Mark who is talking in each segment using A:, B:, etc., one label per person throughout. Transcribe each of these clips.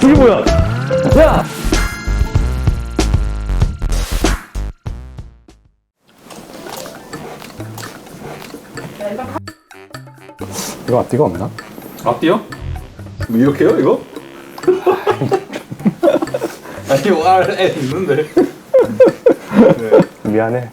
A: 이게 뭐야? 야! 이거 앞뒤가 없나?
B: 앞뒤요? 뭐 이렇게요 이거? 아니 R 있는데. 네.
A: 미안해.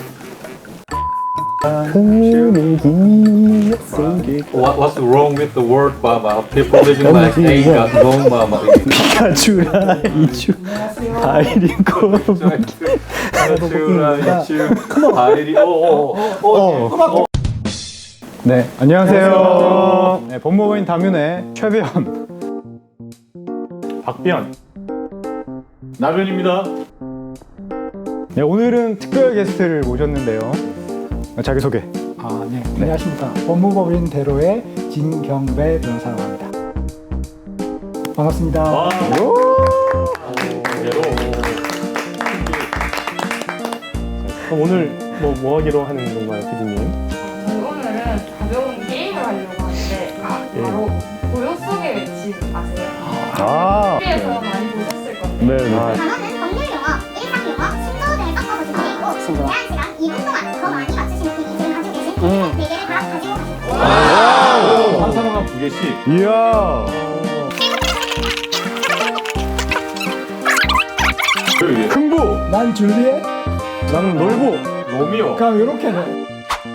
A: 흐르기 속에
B: What's wrong with the world? People living like A got wrong.
A: 피카츄라 이츄 아이리코 네, 안녕하세요. 네, 법무부인 담윤의 최배현
C: 박비현 나변입니다.
A: 네, 오늘은 특별 게스트를 모셨는데요. 자기소개.
D: 네. 안녕하십니까. 법무법인 대로의 진경배 변호사라고 합니다. 반갑습니다.
C: 그럼 오늘 뭐 하기로 하는 건가요, PD님?
E: 저희 오늘은 가벼운 게임을 하려고 하는데 바로 고요 속의 외침 아세요? TV에서 많이 보셨을 건데
A: 네.
F: 단어는 법률 용어, 일상 용어, 신조어 등을 섞어서 준비되어 있고 제한 시간 2분 동안 더 많이 맞추시는 분이 지금 가지고 계신 4개를 다 가지고 가십니다.
B: 한 사람 한 2개씩.
A: 이야. 흥부.
D: 난 줄리엣?
A: 나는 놀부.
B: 로미오.
D: 그럼 이렇게는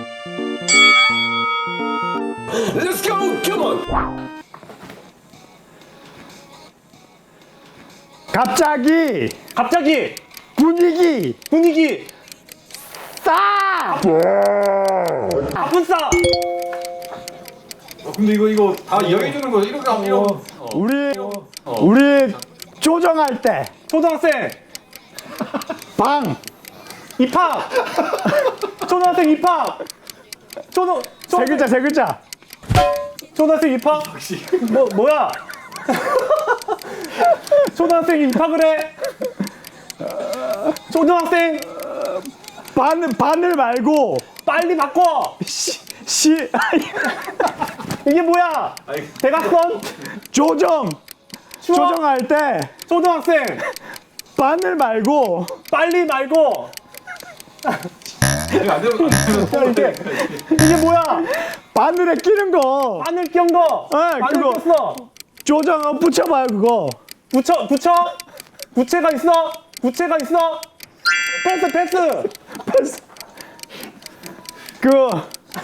A: 갑자기 분위기
C: 아픈 싸.
B: 근데 이거 다 이야기해 주는 거 이렇게 하면
A: 우리 조정할 때
C: 초등학생
A: 방
C: 입학. 초등학생 입학.
A: 세 글자
C: 초등학생 입학. 뭐야? 초등학생이 입학을 해. 초등학생
A: 바늘 말고
C: 빨리 바꿔. 이게 뭐야? 대각선
A: 조정할 때
C: 초등학생
A: 바늘 말고
C: 빨리 말고.
B: 이게 안 되면
C: 이게 뭐야?
A: 바늘에 끼는 거
C: 바늘 낀 거.
A: 네,
C: 바늘
A: 그거.
C: 꼈어.
A: 조정 붙여봐요 그거.
C: 붙여. 부채가 있어. 패스.
A: 그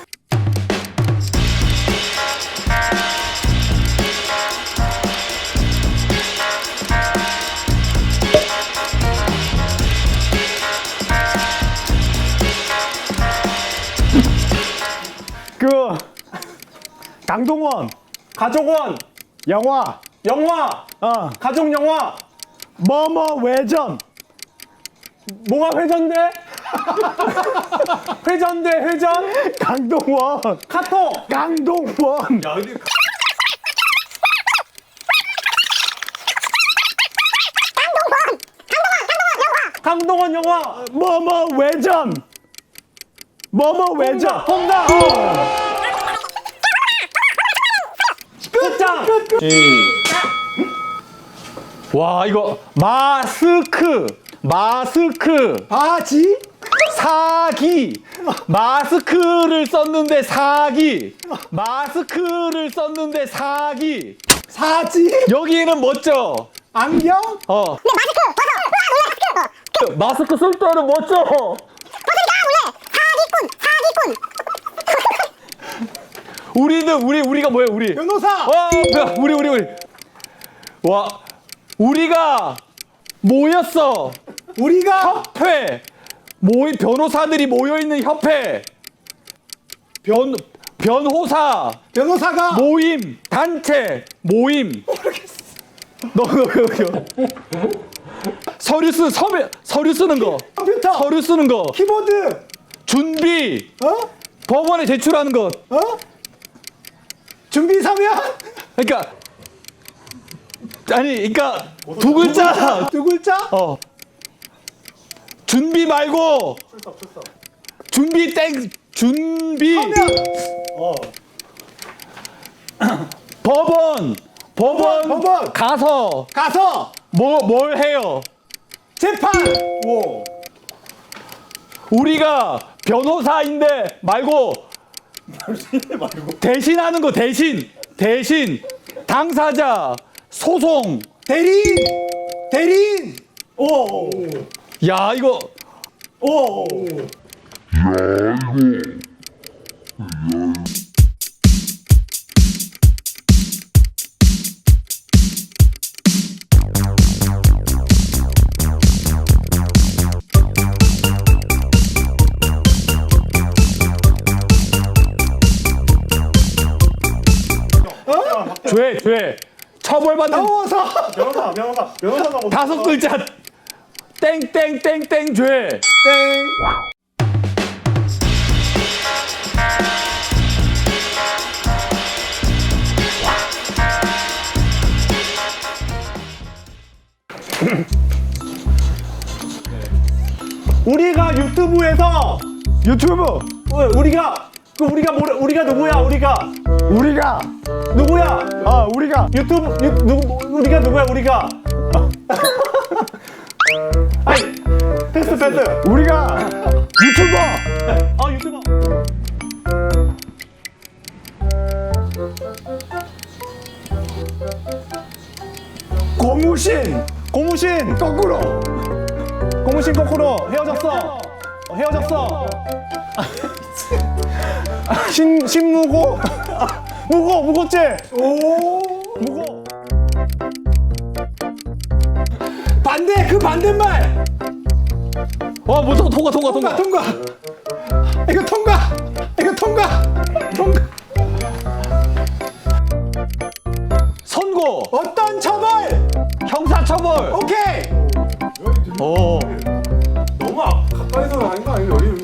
A: 강동원
C: 가족원.
A: 영화
C: 가족 영화.
A: 뭐뭐 외전
C: 뭐가 회전돼? 회전.
A: 강동원
C: 카톡.
A: 강동원
B: 야 근데
C: 강동원 영화.
A: 뭐뭐 외전
C: 홍당. 끝장. 와 이거 마스크
D: 바지?
C: 사기 마스크를 썼는데 사기
D: 사지?
C: 여기는 멋져.
D: 안경?
C: 마스크 쓸 때는 멋져. 우리가 뭐예요 우리?
D: 변호사?
C: 우리 와 우리가 모였어.
D: 우리가
C: 협회 변호사들이 모여있는 협회 변호사가 모임 단체 모임. 너 서류 쓰는 거
D: 컴퓨터?
C: 서류 쓰는 거
D: 키보드?
C: 준비
D: 어?
C: 법원에 제출하는 것.
D: 준비 서면?
C: 그러니까 두 글자.
D: 두 글자?
C: 준비 말고 준비
D: 서면?
C: 법원
A: 법원 가서 뭘 해요?
D: 재판. 오.
A: 우리가 변호사인데 말고 대신하는 거 대신 당사자 소송.
D: 대리인. 오.
A: 야 이거
D: 오.
A: 죄 처벌받는
C: 변호사가 뭐
A: 5글자 땡땡땡땡 죄.
D: 땡. 우리가 유튜브에서
A: 유튜브
D: 우리가 누구야? 우리가 누구야?
A: 우리가
D: 우리가 누구야? 우리가 아니 패스
A: 우리가 유튜버
D: 유튜버
A: 고무신 거꾸로
D: 고무신 거꾸로 헤어졌어 신무고 무고죄 무고 반대말
A: 와 무조건 통과
D: 이거 통과
A: 선고
D: 어떤 처벌
A: 형사처벌
D: 오케이
A: 오
C: 너무 가까이서 하는 거 아니에요? 여기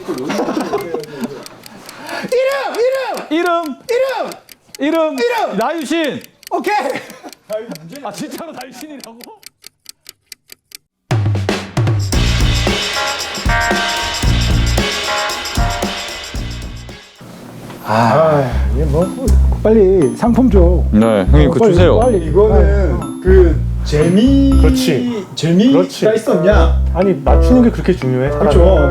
A: 이름 나유신
D: 오케이
A: 진짜로 나유신이라고?
G: 빨리 상품 줘.
A: 네 형님 그거 주세요.
G: 빨리.
D: 이거는 그
C: 그렇지.
D: 재미가
C: 그렇지.
D: 있었냐
C: 아니 맞추는 게 그렇게 중요해?
D: 그렇죠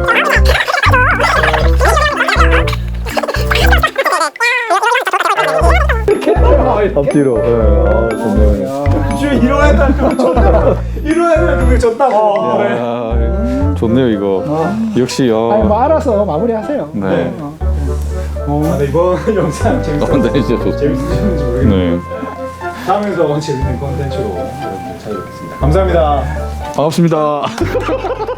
A: 앞뒤로
D: 이러다 그걸 졌다고
A: 좋네요 이거 역시
G: 아니 뭐 알아서 마무리하세요.
A: 네.
D: 근데 이번 영상
A: 네, 진짜 좋
D: 재밌으셨는지 모르겠는데
A: 네
D: 다음에서 재밌는 콘텐츠로 여러분들 찾아뵙겠습니다 감사합니다
A: 반갑습니다.